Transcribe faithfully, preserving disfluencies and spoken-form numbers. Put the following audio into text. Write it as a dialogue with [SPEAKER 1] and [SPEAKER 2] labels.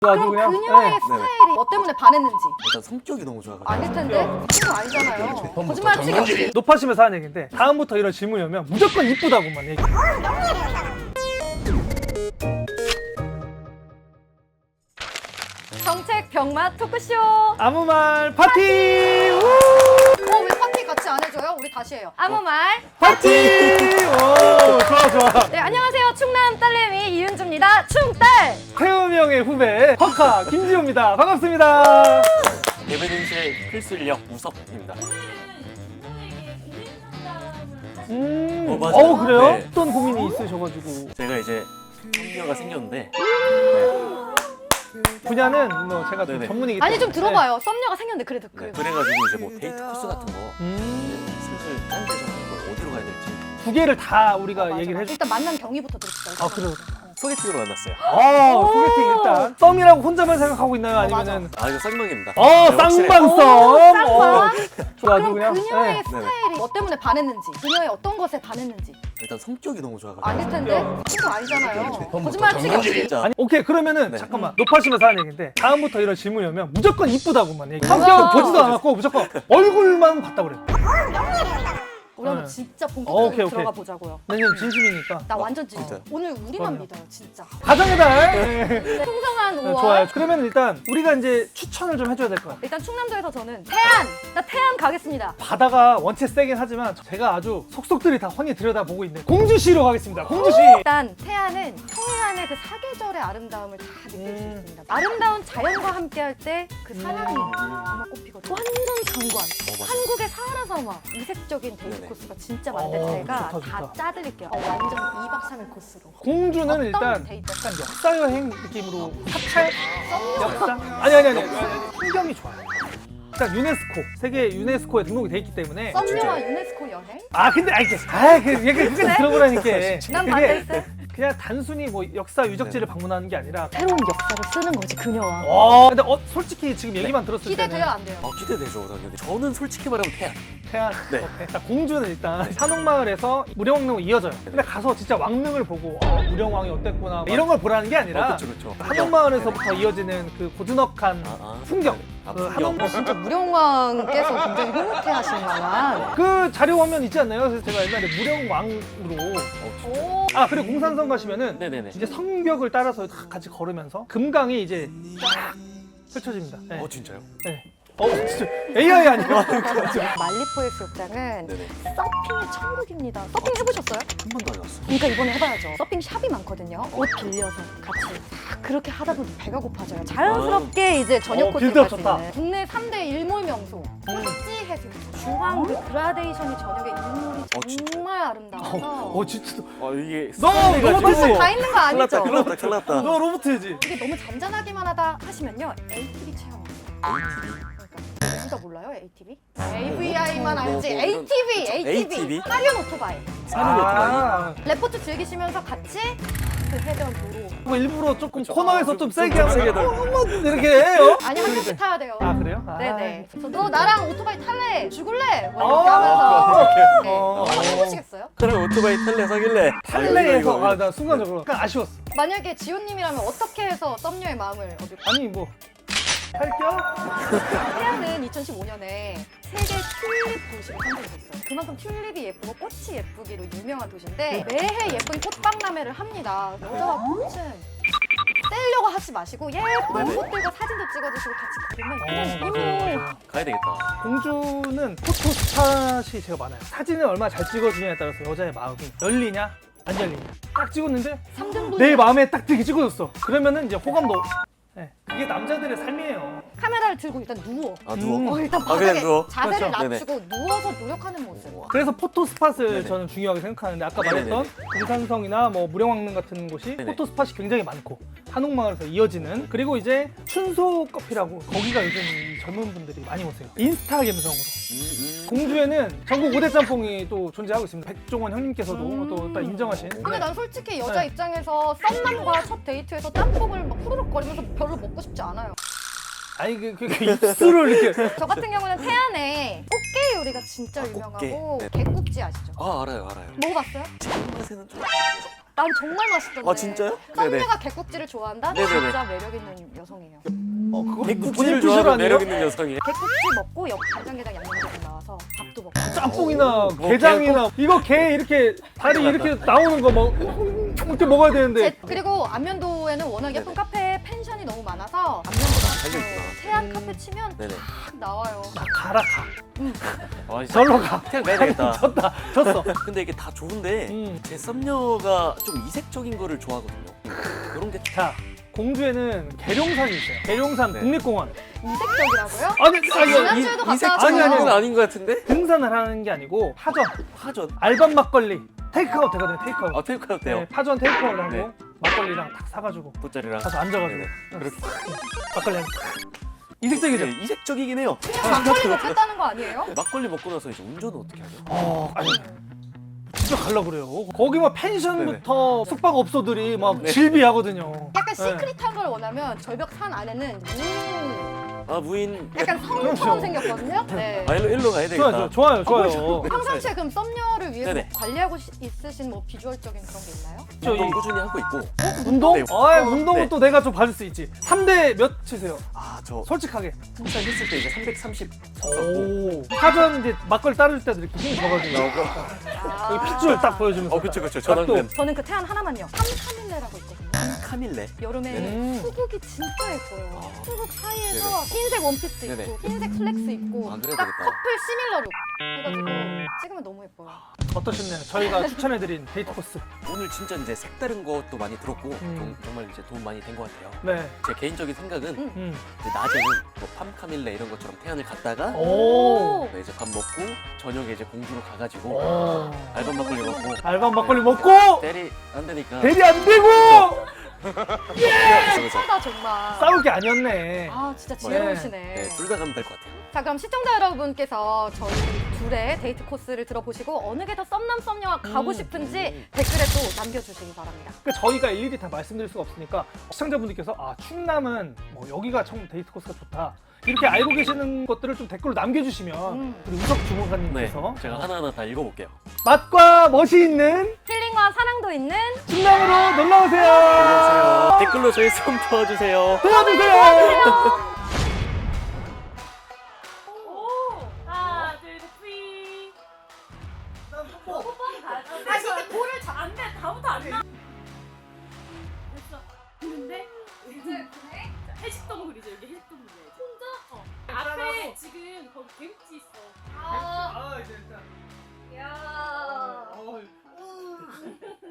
[SPEAKER 1] 그럼
[SPEAKER 2] 그냥?
[SPEAKER 1] 그녀의
[SPEAKER 2] 네.
[SPEAKER 1] 스타일이 뭐 때문에 반했는지.
[SPEAKER 2] 일단 성격이 너무 좋아가지고.
[SPEAKER 1] 아닐 텐데? 그거 아니잖아요. 거짓말 치기 없이.
[SPEAKER 3] 높아지면서 하는 얘기인데 다음부터 이런 질문이 오면 무조건 이쁘다고만 얘기해.
[SPEAKER 1] 정책 병맛 토크쇼.
[SPEAKER 3] 아무 말 파티! 우!
[SPEAKER 1] 어, 왜 파티 같이 안 해줘요? 우리 다시 해요. 아무 말.
[SPEAKER 3] 파티! 오, 좋아 좋아.
[SPEAKER 1] 네, 안녕하세요. 충남 딸내미 이은주입니다. 충딸.
[SPEAKER 3] 태훈이 형의 후배 허카 김지호입니다. 반갑습니다.
[SPEAKER 2] 대변인실의 필수 인력 우섭입니다.
[SPEAKER 3] 음,
[SPEAKER 2] 어, 맞아요.
[SPEAKER 3] 어 그래요?
[SPEAKER 2] 네.
[SPEAKER 3] 어떤 고민이 있으셔가지고
[SPEAKER 2] 제가 이제 성녀가 생겼는데 네.
[SPEAKER 3] 분야는 뭐 제가 좀
[SPEAKER 2] 네네.
[SPEAKER 3] 전문이기 때문에
[SPEAKER 1] 아니 좀 들어봐요. 썸녀가 생겼는데 그래도
[SPEAKER 2] 네.
[SPEAKER 1] 그래.
[SPEAKER 2] 그래가지고 이제 뭐 데이트 코스 같은 거
[SPEAKER 3] 음,
[SPEAKER 2] 슬슬 짠 데서 뭐 어디로 가야 될지
[SPEAKER 3] 두 개를 다 우리가
[SPEAKER 1] 맞아,
[SPEAKER 3] 얘기를
[SPEAKER 1] 맞아.
[SPEAKER 3] 해줘.
[SPEAKER 1] 일단 만남 경위부터 들읍시다.
[SPEAKER 3] 아 그래요?
[SPEAKER 2] 소개팅으로 만났어요.
[SPEAKER 3] 아 소개팅 일단 썸이라고 혼자만 생각하고 있나요? 아니면은
[SPEAKER 2] 아 이거 쌍방입니다.
[SPEAKER 3] 어
[SPEAKER 2] 네, 확실해요.
[SPEAKER 3] 쌍방썸.
[SPEAKER 1] 쌍방.
[SPEAKER 3] 어, 좋아
[SPEAKER 1] 그럼
[SPEAKER 3] 그냥
[SPEAKER 1] 그녀의
[SPEAKER 3] 네.
[SPEAKER 1] 스타일이 뭐 때문에 반했는지, 그녀의 어떤 것에 반했는지.
[SPEAKER 2] 일단 성격이 너무 좋아가지고.
[SPEAKER 1] 아닐 텐데? 그거 아니잖아요. 거짓말 치기 없이.
[SPEAKER 2] 진짜.
[SPEAKER 3] 아니 오케이 그러면은
[SPEAKER 2] 네.
[SPEAKER 3] 잠깐만 높아지면서 하는 얘기인데 다음부터 이런 질문이 오면 무조건 이쁘다고만 얘기해. 성격은 보지도 않았고 무조건 얼굴만 봤다 그래.
[SPEAKER 1] 우리 한번
[SPEAKER 3] 네.
[SPEAKER 1] 진짜
[SPEAKER 3] 어,
[SPEAKER 1] 본격적으로
[SPEAKER 3] 오케이, 오케이.
[SPEAKER 1] 들어가 보자고요.
[SPEAKER 3] 왜냐면 진심이니까.
[SPEAKER 1] 나 완전 찐.
[SPEAKER 2] 진짜.
[SPEAKER 1] 오늘 우리만
[SPEAKER 3] 그럼요.
[SPEAKER 1] 믿어요, 진짜.
[SPEAKER 3] 가정의 달. 네.
[SPEAKER 1] 풍성한
[SPEAKER 3] 네,
[SPEAKER 1] 오월.
[SPEAKER 3] 좋아요. 그러면 일단 우리가 이제 추천을 좀 해줘야 될 것 같아요.
[SPEAKER 1] 일단 충남도에서 저는 태안! 나 태안 가겠습니다.
[SPEAKER 3] 바다가 원체 세긴 하지만 제가 아주 속속들이 다 훤히 들여다보고 있는 공주시로 가겠습니다. 공주시.
[SPEAKER 1] 일단 태안은 청해안의 그 사계절의 아름다움을 다 느낄 수
[SPEAKER 3] 음.
[SPEAKER 1] 있습니다. 아름다운 자연과 함께할 때 그 사냥이 정말 꽃피거든요. 완전 장관.
[SPEAKER 2] 맞아.
[SPEAKER 1] 한국의 사하라 사막. 이색적인 데이트
[SPEAKER 2] 네네.
[SPEAKER 1] 코스가 진짜 많은데
[SPEAKER 3] 어,
[SPEAKER 1] 제가
[SPEAKER 3] 좋다, 좋다.
[SPEAKER 1] 다 짜드릴게요. 어, 완전 이박 삼일 코스로.
[SPEAKER 3] 공주는
[SPEAKER 1] 어떤
[SPEAKER 3] 일단
[SPEAKER 1] 데이트?
[SPEAKER 3] 약간 역사 여행 느낌으로 사찰 역사 아니 아니 아니, 아니 풍경이 좋아요. 일단 유네스코 세계 유네스코에 등록이 돼 있기 때문에
[SPEAKER 1] 썸녀와 유네스코 여행?
[SPEAKER 3] 아 근데 아이 아 그 얘기 끝까지 들어보라니까.
[SPEAKER 1] 난
[SPEAKER 3] 그게
[SPEAKER 1] 반대했어요.
[SPEAKER 3] 그냥 단순히 뭐 역사 유적지를 방문하는 게 아니라
[SPEAKER 1] 새로운 역사를 쓰는 거지, 그녀와.
[SPEAKER 3] 어 근데 어 솔직히 지금 얘기만 들었을 때는
[SPEAKER 1] 기대돼요, 안 돼요?
[SPEAKER 2] 아 기대되죠 당연히. 저는 솔직히 말하면 태양.
[SPEAKER 3] 태안
[SPEAKER 2] 네.
[SPEAKER 3] 오케이. 자, 공주는 일단 산옥마을에서 무령왕릉으로 이어져요. 근데 가서 진짜 왕릉을 보고 어, 무령왕이 어땠구나 이런 걸 보라는 게 아니라
[SPEAKER 2] 어, 그렇죠 그렇죠.
[SPEAKER 3] 한옥마을에서부터 이어지는 그 고즈넉한
[SPEAKER 2] 아, 아.
[SPEAKER 3] 풍경.
[SPEAKER 2] 아,
[SPEAKER 3] 그
[SPEAKER 2] 풍경.
[SPEAKER 3] 한옥마을
[SPEAKER 1] 진짜 무령왕께서 굉장히 흐뭇해하실 만한.
[SPEAKER 3] 그 자료 화면 있지 않나요? 그래서 제가 옛날에 무령왕으로
[SPEAKER 1] 오.
[SPEAKER 3] 아 그리고 공산성 가시면은
[SPEAKER 2] 네네네.
[SPEAKER 3] 이제 성벽을 따라서 다 같이 걸으면서 금강이 이제 쫙 펼쳐집니다. 네.
[SPEAKER 2] 어 진짜요?
[SPEAKER 3] 네. 어 진짜 에이아이 아니에요?
[SPEAKER 1] 말리포 해수욕장은
[SPEAKER 2] 네네.
[SPEAKER 1] 서핑의 천국입니다. 서핑 해보셨어요?
[SPEAKER 2] 한 번도 안 왔어.
[SPEAKER 1] 그러니까 이번에 해봐야죠. 서핑 샵이 많거든요. 옷 빌려서 같이 딱 그렇게 하다 보니 배가 고파져요. 자연스럽게 이제 저녁
[SPEAKER 3] 어,
[SPEAKER 1] 코스를
[SPEAKER 3] 빌드업
[SPEAKER 1] 갈수
[SPEAKER 3] 좋다.
[SPEAKER 1] 있는 국내 삼 대 일몰 명소 꼴찌 해수욕장. 주황 그 그라데이션이 저녁에 일몰이
[SPEAKER 2] 어, 진짜요?
[SPEAKER 1] 정말 아름다워서
[SPEAKER 3] 어 진짜
[SPEAKER 2] 아 이게
[SPEAKER 3] 너
[SPEAKER 2] 습관돼가지고.
[SPEAKER 3] 너무
[SPEAKER 1] 다 있는 거
[SPEAKER 2] 큰일 났다
[SPEAKER 1] 아니죠?
[SPEAKER 2] 큰일 났다 큰일 났다.
[SPEAKER 3] 너 로봇이지?
[SPEAKER 1] 이게 너무 잔잔하기만 하다 하시면요 에이티비 체험. 그러니까 진짜 몰라요 에이티비? 에이브이아이만
[SPEAKER 2] 뭐,
[SPEAKER 1] 알지.
[SPEAKER 2] 뭐,
[SPEAKER 1] 에이티비,
[SPEAKER 2] 그런-
[SPEAKER 1] 에이티비.
[SPEAKER 2] 에이티비?
[SPEAKER 1] 하륜 오토바이.
[SPEAKER 2] 사는 오토바이.
[SPEAKER 3] 아,
[SPEAKER 1] 레포트 즐기시면서 같이 그 해변 도로.
[SPEAKER 3] 뭐 일부러 조금
[SPEAKER 2] 그렇죠.
[SPEAKER 3] 코너에서
[SPEAKER 2] 아,
[SPEAKER 3] 좀
[SPEAKER 2] 좀-
[SPEAKER 3] 세게
[SPEAKER 2] 좀
[SPEAKER 3] 하면
[SPEAKER 2] 세게 더.
[SPEAKER 3] 어머 이렇게 해요?
[SPEAKER 1] 아니 한 명씩 타야 돼요.
[SPEAKER 3] 아 그래요? 아.
[SPEAKER 1] 네네. 그래서 너 나랑 오토바이 탈래? 죽을래? 뭐
[SPEAKER 3] 어,
[SPEAKER 1] 이렇게 하면서. 네.
[SPEAKER 3] 어.
[SPEAKER 1] 한번 해보시겠어요?
[SPEAKER 2] 그럼 오토바이 탈래 사귈래.
[SPEAKER 3] 탈레에서 아 나 순간적으로 약간 아쉬웠어.
[SPEAKER 1] 만약에 지호님이라면 어떻게 해서 썸녀의 마음을 얻을 까
[SPEAKER 3] 아니 뭐 탈겨?
[SPEAKER 1] 태양은 이천십오 년에 세계 튤립 도시로 선정됐어요. 그만큼 튤립이 예쁘고 꽃이 예쁘기로 유명한 도시인데 매해 예쁜 꽃박람회를 합니다. 여자와 꽃은 떼려고 하지 마시고 예쁜
[SPEAKER 2] 네네.
[SPEAKER 1] 꽃들과 사진도 찍어주시고 같이 그러면 이거
[SPEAKER 2] 가야 되겠다.
[SPEAKER 3] 공주는 포토 스팟이 제가 많아요. 사진을 얼마나 잘 찍어주냐에 따라서 여자의 마음이 열리냐 안 열리냐. 딱 찍었는데
[SPEAKER 1] 삼 등분
[SPEAKER 3] 내 마음에 딱 되게 찍어줬어. 그러면은 이제 호감도. 네, 그게 남자들의 삶이에요.
[SPEAKER 1] 카메라를 들고 일단 누워.
[SPEAKER 2] 아 누워.
[SPEAKER 3] 음.
[SPEAKER 1] 어, 일단
[SPEAKER 2] 아,
[SPEAKER 1] 바닥에
[SPEAKER 2] 그냥 누워?
[SPEAKER 1] 자세를
[SPEAKER 3] 그렇죠.
[SPEAKER 1] 낮추고 누워서 노력하는 모습.
[SPEAKER 3] 그래서 포토 스팟을
[SPEAKER 2] 네네.
[SPEAKER 3] 저는 중요하게 생각하는데 아까
[SPEAKER 2] 네네네.
[SPEAKER 3] 말했던 공산성이나 뭐 무령왕릉 같은 곳이
[SPEAKER 2] 네네.
[SPEAKER 3] 포토 스팟이 굉장히 많고 한옥마을에서 이어지는 그리고 이제 춘소 커피라고 거기가 요즘 이 젊은 분들이 많이 오세요. 인스타 감성으로.
[SPEAKER 2] 음, 음.
[SPEAKER 3] 공주에는 전국 오 대 짬뽕이 또 존재하고 있습니다. 백종원 형님께서도
[SPEAKER 1] 음.
[SPEAKER 3] 또 딱 인정하신.
[SPEAKER 1] 근데
[SPEAKER 3] 네.
[SPEAKER 1] 난 솔직히 여자
[SPEAKER 3] 네.
[SPEAKER 1] 입장에서 썸남과 첫 데이트에서 짬뽕을 막 후루룩거리면서 별로 먹고 싶지 않아요.
[SPEAKER 3] 아니 그, 그, 그 입술을 이렇게
[SPEAKER 1] 저 같은 경우는 태안에 꽃게 요리가 진짜
[SPEAKER 2] 아,
[SPEAKER 1] 유명하고
[SPEAKER 2] 꽃게. 네.
[SPEAKER 1] 개국지 아시죠?
[SPEAKER 2] 아 알아요 알아요.
[SPEAKER 1] 먹어봤어요?
[SPEAKER 2] 제 입맛에는 좀.
[SPEAKER 1] 난 정말 맛있던데.
[SPEAKER 2] 아 진짜요? 네네.
[SPEAKER 1] 썸녀가 개국지를 좋아한다?
[SPEAKER 2] 네네네.
[SPEAKER 1] 진짜 매력 있는 여성이에요.
[SPEAKER 3] 어 그거
[SPEAKER 2] 백국지를
[SPEAKER 3] 본인
[SPEAKER 2] 좋아하는
[SPEAKER 3] 아니에요?
[SPEAKER 2] 매력 있는 여성이.
[SPEAKER 1] 개국지 먹고 옆 간장게장 양념게장 나와서 밥도 먹고.
[SPEAKER 3] 짬뽕이나
[SPEAKER 2] 뭐
[SPEAKER 3] 게장이나 이거 게 이렇게 다리 이렇게 나오는 거 뭐 이렇게 먹어야 되는데
[SPEAKER 1] 제- 그리고 안면도에는 워낙 예쁜
[SPEAKER 2] 네네.
[SPEAKER 1] 카페 펜션이 너무 많아서 안면도
[SPEAKER 2] 달려있구나.
[SPEAKER 1] 카페, 태안 카페 치면
[SPEAKER 2] 네네.
[SPEAKER 1] 딱 나와요.
[SPEAKER 3] 나 가라 가
[SPEAKER 2] 아, 진짜
[SPEAKER 3] 절로 가
[SPEAKER 2] 태양 가야 되겠다.
[SPEAKER 3] 졌다 졌어
[SPEAKER 2] 근데 이게 다 좋은데
[SPEAKER 3] 음.
[SPEAKER 2] 제 썸녀가 좀 이색적인 거를 좋아하거든요. 그런 게
[SPEAKER 3] 자 공주에는 계룡산이 있어요 계룡산
[SPEAKER 2] 네.
[SPEAKER 3] 국립공원
[SPEAKER 1] 이색적이라고요?
[SPEAKER 3] 아니 아니
[SPEAKER 1] 지난주에도 갔다
[SPEAKER 2] 이색적인
[SPEAKER 3] 아니, 아니,
[SPEAKER 2] 건
[SPEAKER 3] 아니.
[SPEAKER 2] 아닌 것 같은데?
[SPEAKER 3] 등산을 하는 게 아니고 파전
[SPEAKER 2] 파전.
[SPEAKER 3] 알밤 막걸리 테이크아웃 되거든요 테이크아웃
[SPEAKER 2] 아 테이크아웃 돼요.
[SPEAKER 3] 네, 파전 테이크아웃 하고
[SPEAKER 2] 네.
[SPEAKER 3] 막걸리랑 딱 사가지고
[SPEAKER 2] 돗자리랑.
[SPEAKER 3] 가서 앉아가지고
[SPEAKER 2] 네네. 그렇게.
[SPEAKER 3] 막걸리 한 이색적이죠?
[SPEAKER 2] 네, 이색적이긴 해요.
[SPEAKER 1] 막걸리 먹겠다는 거 아니에요?
[SPEAKER 2] 막걸리 먹고 나서 이제 운전은 어떻게 하죠?
[SPEAKER 3] 어, 아니 집에 가려고 그래요. 거기 막 펜션부터 숙박업소들이 막
[SPEAKER 2] 네.
[SPEAKER 3] 질비하거든요.
[SPEAKER 1] 약간
[SPEAKER 3] 네.
[SPEAKER 1] 시크릿한 걸 원하면 절벽 산 안에는 무
[SPEAKER 2] 아 무인.
[SPEAKER 1] 약간
[SPEAKER 3] 그렇죠.
[SPEAKER 1] 성처럼 생겼거든요. 네.
[SPEAKER 2] 아 일로 일로 가야 되겠다.
[SPEAKER 3] 좋아요, 좋아요, 좋아요.
[SPEAKER 1] 평상시에 그럼 썸녀를 위해서
[SPEAKER 2] 네네.
[SPEAKER 1] 관리하고 시- 있으신 뭐 비주얼적인 그런 게 있나요?
[SPEAKER 3] 저
[SPEAKER 2] 운동
[SPEAKER 3] 이-
[SPEAKER 2] 꾸준히 하고 있고.
[SPEAKER 3] 운동?
[SPEAKER 2] 네.
[SPEAKER 3] 아, 운동은
[SPEAKER 2] 네.
[SPEAKER 3] 또 내가 좀 봐줄 수 있지. 삼 대 몇 치세요?
[SPEAKER 2] 아저
[SPEAKER 3] 솔직하게.
[SPEAKER 2] 한살 했을 때 이제 삼백삼십 쳤었고.
[SPEAKER 3] 오. 사전 이제 막걸리 따를 때도 이렇게 힘 줘가지고
[SPEAKER 2] 나오고.
[SPEAKER 1] 아.
[SPEAKER 3] 여기 핏줄 딱 보여주면서.
[SPEAKER 2] 어 그쵸 그쵸
[SPEAKER 3] 딱 또.
[SPEAKER 2] 전완근.
[SPEAKER 1] 저는 그 태안 하나만요. 삼카밀레라고 있거든요.
[SPEAKER 2] 카밀레.
[SPEAKER 1] 여름에
[SPEAKER 3] 음.
[SPEAKER 1] 수국이 진짜 예뻐요.
[SPEAKER 2] 아.
[SPEAKER 1] 수국 사이에서 흰색 원피스
[SPEAKER 2] 네네.
[SPEAKER 1] 입고 흰색 슬랙스 입고
[SPEAKER 2] 아, 그래야
[SPEAKER 1] 딱
[SPEAKER 2] 되겠다.
[SPEAKER 1] 커플 시밀러 룩 해가지고 찍으면 너무 예뻐요.
[SPEAKER 3] 어떠셨나요? 저희가 추천해드린 데이트 코스.
[SPEAKER 2] 오늘 진짜 이제 색다른 것도 많이 들었고
[SPEAKER 3] 음.
[SPEAKER 2] 좀- 정말 이제 도움 많이 된 것 같아요.
[SPEAKER 3] 네.
[SPEAKER 2] 제 개인적인 생각은
[SPEAKER 1] 음.
[SPEAKER 3] 음.
[SPEAKER 2] 이제 낮에는 뭐 팜카밀레 이런 것처럼 태안을 갔다가
[SPEAKER 3] 오.
[SPEAKER 2] 네, 이제 밥 먹고 저녁에 이제 공주로 가가지고
[SPEAKER 3] 오.
[SPEAKER 2] 알밤 막걸리 먹고
[SPEAKER 3] 알밤 막걸리 먹고
[SPEAKER 2] 대리 안 되니까
[SPEAKER 3] 대리 안 되고
[SPEAKER 2] 그쵸, 그쵸.
[SPEAKER 1] 예쁘다 정말.
[SPEAKER 3] 싸울 게 아니었네.
[SPEAKER 1] 아 진짜
[SPEAKER 3] 네.
[SPEAKER 1] 지혜로우시네.
[SPEAKER 2] 네, 둘 다 가면 될 것 같아요.
[SPEAKER 1] 자 그럼 시청자 여러분께서 저희 둘의 데이트 코스를 들어보시고 어느 게 더 썸남 썸녀와 가고
[SPEAKER 3] 음.
[SPEAKER 1] 싶은지 댓글에 또 남겨주시기 바랍니다.
[SPEAKER 3] 그러니까 저희가 일일이 다 말씀드릴 수가 없으니까 시청자분들께서 아 충남은 뭐 여기가 청 데이트 코스가 좋다 이렇게 알고 계시는 것들을 좀 댓글로 남겨주시면
[SPEAKER 1] 음.
[SPEAKER 3] 우리 우석
[SPEAKER 2] 네,
[SPEAKER 3] 주무관님께서
[SPEAKER 2] 제가 하나하나 다 읽어볼게요.
[SPEAKER 3] 맛과 멋이 있는
[SPEAKER 1] 힐링과 사랑도 있는
[SPEAKER 3] 충남으로 놀러 오세요.
[SPEAKER 2] 안녕하세요. 댓글로 저희 썸 도와주세요.
[SPEAKER 3] 도와주세요.
[SPEAKER 4] 하나, 둘, 셋, 뿌이. 아, 진짜 볼을 잘 안 돼. 다음부터 안 나. 됐어. 근데 이제 해식동 그리죠. 여기 해식동 그려야지. 혼자? 어. 앞에 지금 거기 개국지 있어.
[SPEAKER 1] 아,
[SPEAKER 3] 아 이제 일단.
[SPEAKER 1] 야.
[SPEAKER 3] 어,